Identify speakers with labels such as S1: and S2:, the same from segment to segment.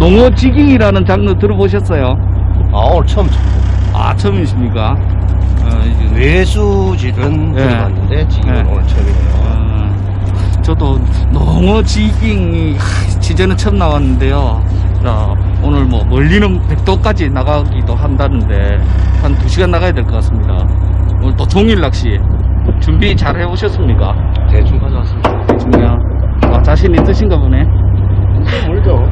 S1: 농어 지깅이라는 장르 들어보셨어요?
S2: 오늘 처음
S1: 아, 처음이십니까?
S2: 외수질은
S1: 예.
S2: 들어봤는데 지금
S1: 예.
S2: 오늘 처음이네요.
S1: 저도 농어 지깅이 지제는 처음 나왔는데요. 오늘 뭐 멀리는 백도까지 나가기도 한다는데 한 2시간 나가야 될 것 같습니다. 오늘 또 종일 낚시 준비 잘 해오셨습니까?
S2: 대충 가져왔습니다.
S1: 대충요. 자신 있으신가 보네.
S2: 물죠.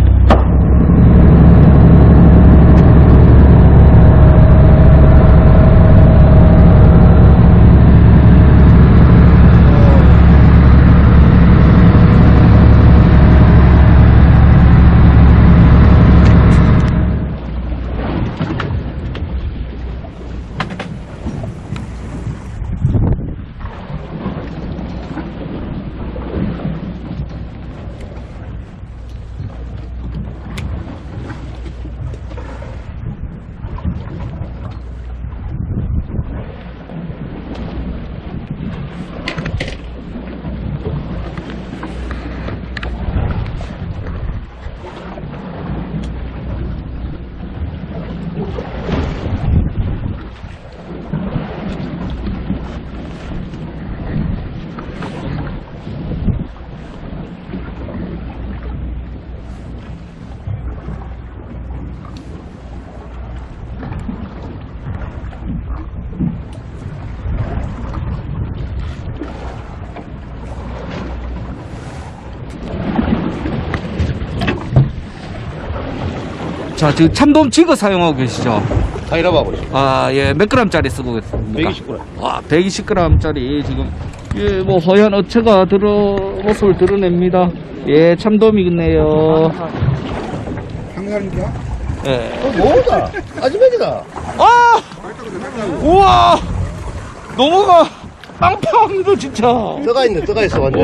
S1: 자, 지금 참돔 지거 사용하고 계시죠?
S2: 타이라바고 있습니다.
S1: 아, 예, 몇 g짜리 쓰고 계십니까?
S2: 120g.
S1: 와, 120g짜리 지금, 예, 뭐, 허연 어체가 모습을 드러냅니다. 예, 참돔이겠네요.
S3: 한가인가?
S1: 예.
S2: 뭐다? 아즈맥이다.
S1: 아! 우와! 농어가 빵빵합니다, 진짜.
S2: 떠가 있네, 떠가 있어, 완전.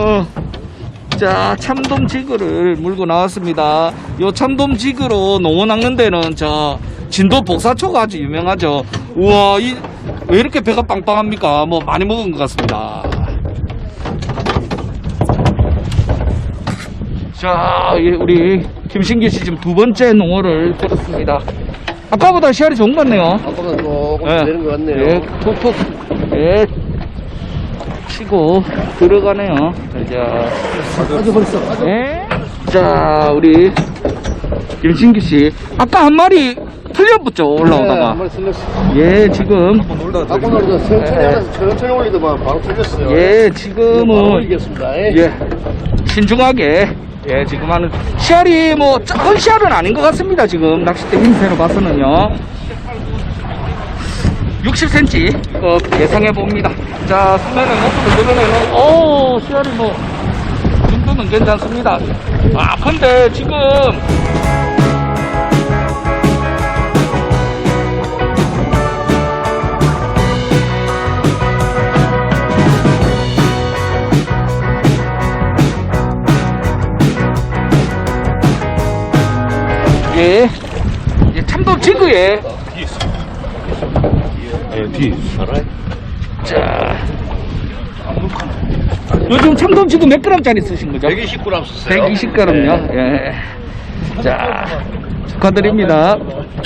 S1: 자, 참돔 지그를 물고 나왔습니다. 요 참돔 지그로 농어 낚는 데는 진도 복사초가 아주 유명하죠. 우와, 왜 이렇게 배가 빵빵합니까? 뭐 많이 먹은 것 같습니다. 자, 우리 김신기 씨 지금 2번째 농어를 들었습니다. 아까보다 시알이 좋은 것 같네요.
S2: 아까보다 조금
S1: 예.
S2: 되는 것 같네요.
S1: 예, 톡톡. 예. 치고 들어가네요. 자,
S2: 아주 벌써, 아주.
S1: 예. 자, 우리 김신기 씨. 아까 한 마리 틀려붙죠, 올라오다가.
S2: 한번 틀렸어.
S1: 예, 지금.
S2: 아까 놀다 천천히 하면서 천천히 올리더만 바로 틀렸어요.
S1: 예,
S2: 바로
S1: 지금은.
S2: 올리겠습니다.
S1: 예. 신중하게. 예, 지금 하는. 씨알이 뭐, 작은 씨알은 아닌 것 같습니다, 지금. 낚싯대 힘새로 봐서는요. 60cm 예상해 봅니다. 자, 수면의 모습을 드러내는, 씨알이 뭐, 이 정도는 괜찮습니다. 아, 근데 지금, 예, 참돔 지그에,
S2: 뒤. 알아요?
S1: 자, 요즘 참돔 지금 몇 g짜리 쓰신 거죠?
S2: 120g 썼어요.
S1: 120g요. 예. 자, 축하드립니다.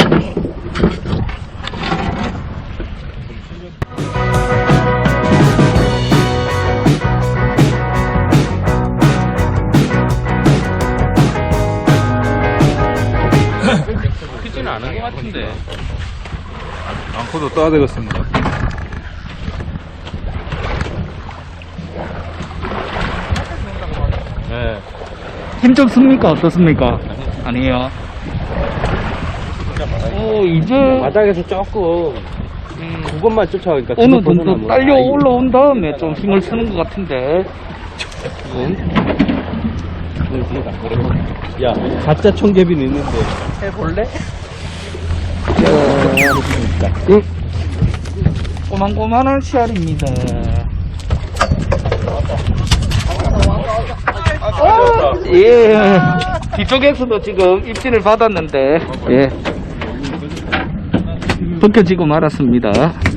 S1: 크지는 않은 것 같은데.
S3: 앙코도 떠야 되겠습니다.
S1: 네. 힘 좀 씁니까? 어떻습니까? 아니에요. 이제
S4: 바닥에서 조금 그것만 쫓아가니까
S1: 어느 정도 딸려 올라온 다음에 좀 힘을 쓰는 것 같은데.
S4: 야 가짜 청개비는 있는데
S1: 해볼래? 꼬만꼬만한 씨알입니다. 예. 뒤쪽에서도 지금 입진을 받았는데, 예. 벗겨지고 말았습니다.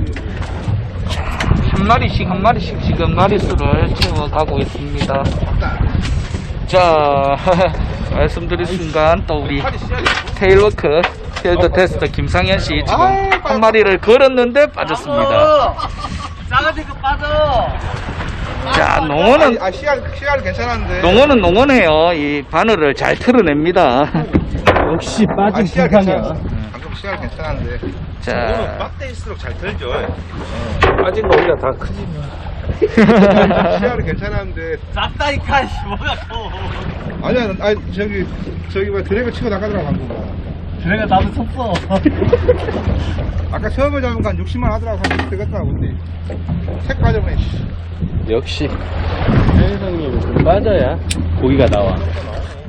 S1: 한 마리씩 지금 마리수를 채워가고 있습니다. 자, 말씀드린 순간 또 우리 테일워크 필드 테스트 김상현 씨 지금 한 마리를 걸었는데 빠졌습니다.
S2: 싸가지고 빠져.
S1: 자, 농어는
S3: 씨알 괜찮았는데.
S1: 농어는 농어네요. 이 바늘을 잘 틀어냅니다.
S4: 역시 빠진
S3: 씨알
S4: 불상이야.
S3: 방금 씨알 괜찮았는데.
S1: 자,
S3: 빡대일수록 잘 들죠.
S4: 빠진 거 우리가 다 크지.
S3: 씨알은 괜찮았는데.
S2: 雑다이카 뭐야 또.
S3: 아니야, 저기 뭐 드래그 치고 나가더라 방금.
S2: 그래가 나도 쳤어.
S3: 아까 처음에 잡은 거 한 60만 하더라고. 한 되겠다 근데. 색 빠져버네.
S4: 역시. 해성님은 좀 빠져야 고기가 나와.